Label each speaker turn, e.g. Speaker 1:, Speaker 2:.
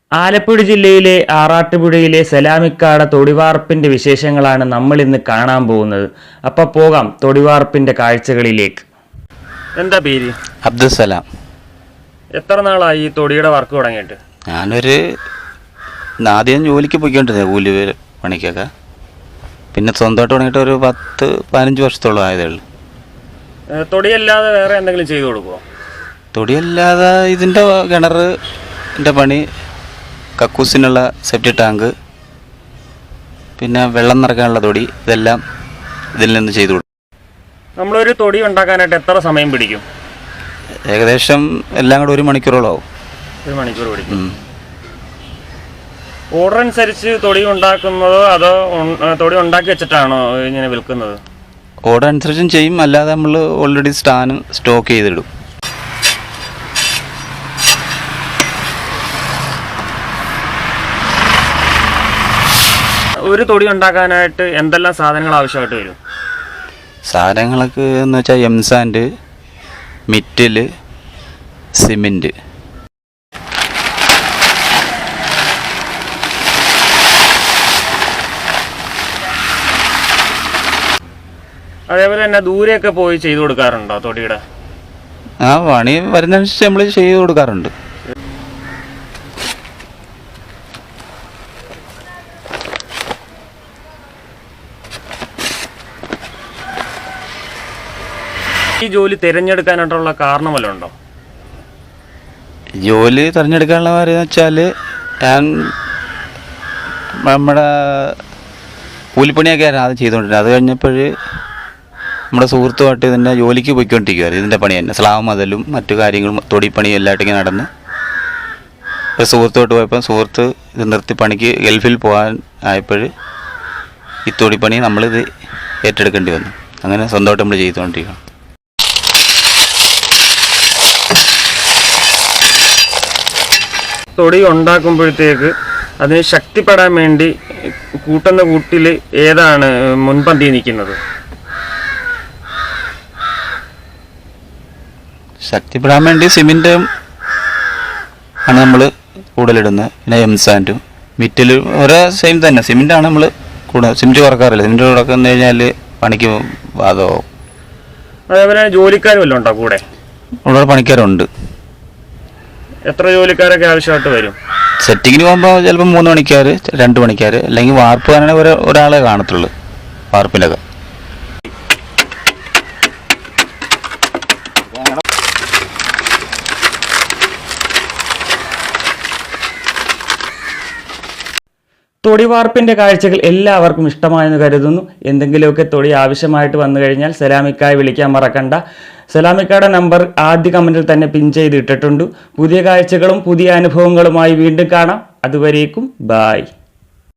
Speaker 1: ആലപ്പുഴ ജില്ലയിലെ ആറാട്ടുപുഴയിലെ സലാമിക്കാട തൊടിവാർപ്പിന്റെ വിശേഷങ്ങളാണ് നമ്മൾ ഇന്ന് കാണാൻ പോകുന്നത്. അപ്പോൾ പോകാം തൊടിവാർപ്പിന്റെ കാഴ്ചകളിലേക്ക്. എന്താ പേര്?
Speaker 2: അബ്ദുസലാം.
Speaker 1: എത്ര നാളായി ഈ തൊടിയുടെ വർക്ക് തുടങ്ങിയിട്ട്?
Speaker 2: ആദ്യം ജോലിക്ക് പോയിക്കൊണ്ടിരുന്നത്, കൂലി പണിക്കൊക്കെ. പിന്നെ സ്വന്തമായിട്ട് തുടങ്ങിയിട്ട് ഒരു 10-15 വർഷത്തോളം ആയതേ ഉള്ളൂ.
Speaker 1: തൊടിയല്ലാതെ വേറെ എന്തെങ്കിലും ചെയ്തു കൊടുക്കുമോ?
Speaker 2: തൊടിയല്ലാതെ ഇതിൻ്റെ കിണറിൻ്റെ പണി, കക്കൂസിനുള്ള സെപ്റ്റി ടാങ്ക്, പിന്നെ വെള്ളം നിറയ്ക്കാനുള്ള തൊടി, ഇതെല്ലാം ഇതിൽ നിന്ന് ചെയ്തു കൊടുക്കും.
Speaker 1: നമ്മളൊരു തൊടി ഉണ്ടാക്കാനായിട്ട് എത്ര സമയം പിടിക്കും?
Speaker 2: ഏകദേശം എല്ലാം കൂടെ 1 മണിക്കൂറോളം ആവും.
Speaker 1: 1 മണിക്കൂർ പിടിക്കും. ഓർഡർ അനുസരിച്ച് തൊടി ഉണ്ടാക്കുന്നതോ അതോ തൊടി ഉണ്ടാക്കി വെച്ചിട്ടാണോ ഇങ്ങനെ വിൽക്കുന്നത്?
Speaker 2: ഓർഡർ അനുസരിച്ചും ചെയ്യും, അല്ലാതെ നമ്മൾ ഓൾറെഡി സ്റ്റോക്ക് ചെയ്തിടും.
Speaker 1: ഒരു തൊടി ഉണ്ടാക്കാനായിട്ട് എന്തെല്ലാം സാധനങ്ങൾ ആവശ്യമായിട്ട് വരും?
Speaker 2: സാധനങ്ങളൊക്കെ എന്ന് വെച്ചാൽ എംസാൻഡ്, മിറ്റിൽ, സിമെൻറ്റ്.
Speaker 1: അതേപോലെ തന്നെ ദൂരെയൊക്കെ പോയി ചെയ്തു കൊടുക്കാറുണ്ടോ തൊടിയുടെ?
Speaker 2: പണി വരുന്നതനുസരിച്ച് നമ്മൾ ചെയ്ത് കൊടുക്കാറുണ്ട്.
Speaker 1: ഈ ജോലി തിരഞ്ഞെടുക്കാനായിട്ടുള്ള കാരണം വല്ലതും ഉണ്ടോ?
Speaker 2: ജോലി തിരഞ്ഞെടുക്കാനുള്ള കാര്യം എന്ന് വെച്ചാൽ, ഞാൻ നമ്മുടെ കൂലിപ്പണിയൊക്കെ ആയിരുന്നു ആദ്യം ചെയ്തുകൊണ്ടിരുന്നത്. അത് കഴിഞ്ഞപ്പോൾ നമ്മുടെ സുഹൃത്തുമായിട്ട് ഇതിൻ്റെ ജോലിക്ക് പോയിക്കൊണ്ടിരിക്കുകയായിരുന്നു. ഇതിൻ്റെ പണി തന്നെ സ്ലാബ് മതിലും മറ്റു കാര്യങ്ങളും തൊടിപ്പണിയും എല്ലായിട്ടും ഇങ്ങനെ നടന്ന് ഒരു സുഹൃത്തുമായിട്ട് പോയപ്പോൾ സുഹൃത്ത് ഇത് നിർത്തി പണിക്ക് ഗൾഫിൽ പോകാൻ ആയപ്പോൾ ഈ തൊടിപ്പണി നമ്മളിത് ഏറ്റെടുക്കേണ്ടി വന്നു. അങ്ങനെ സ്വന്തമായിട്ട് നമ്മൾ ചെയ്തുകൊണ്ടിരിക്കുകയാണ്.
Speaker 1: തൊടി ഉണ്ടാക്കുമ്പോഴത്തേക്ക് അതിന് ശക്തിപ്പെടാൻ വേണ്ടി കൂട്ടുന്ന കൂട്ടിൽ ഏതാണ് മുൻപന്തി നിൽക്കുന്നത്?
Speaker 2: ശക്തിപ്പെടാൻ വേണ്ടി സിമെൻറ്റും ആണ് നമ്മൾ കൂടുതലിടുന്നത്. പിന്നെ എംസാൻഡും മിറ്റിലും ഒരേ സെയിം തന്നെ. സിമെൻറ്റാണ് നമ്മൾ കൂടുതൽ. സിമെൻറ്റ് കുറക്കാറില്ല. സിമെൻറ്റ് കുറക്കുന്നു കഴിഞ്ഞാൽ പണിക്ക് ബാധകമാവും.
Speaker 1: അതേപോലെ ജോലിക്കാർ വല്ലതും ഉണ്ടോ കൂടെ?
Speaker 2: ഒരുപാട് പണിക്കാരുണ്ട്.
Speaker 1: എത്ര ജോലിക്കാരൊക്കെ ആവശ്യമായിട്ട് വരും?
Speaker 2: സെറ്റിങ്ങിന് പോകുമ്പോൾ ചിലപ്പോൾ 3 പണിക്കാർ, 2 പണിക്കാർ, അല്ലെങ്കിൽ വാർപ്പ് തന്നെ ഒരാളെ കാണത്തുള്ളൂ വാർപ്പിലൊക്കെ.
Speaker 1: തൊടിവാർപ്പിൻ്റെ കാഴ്ചകൾ എല്ലാവർക്കും ഇഷ്ടമായെന്ന് കരുതുന്നു. എന്തെങ്കിലുമൊക്കെ തൊടി ആവശ്യമായിട്ട് വന്നു കഴിഞ്ഞാൽ സലാമിക്കായി വിളിക്കാൻ മറക്കണ്ട. സലാമിക്കയുടെ നമ്പർ ആദ്യ കമൻറ്റിൽ തന്നെ പിൻ ചെയ്ത് ഇട്ടിട്ടുണ്ട്. പുതിയ കാഴ്ചകളും പുതിയ അനുഭവങ്ങളുമായി വീണ്ടും കാണാം. അതുവരേക്കും ബായ്.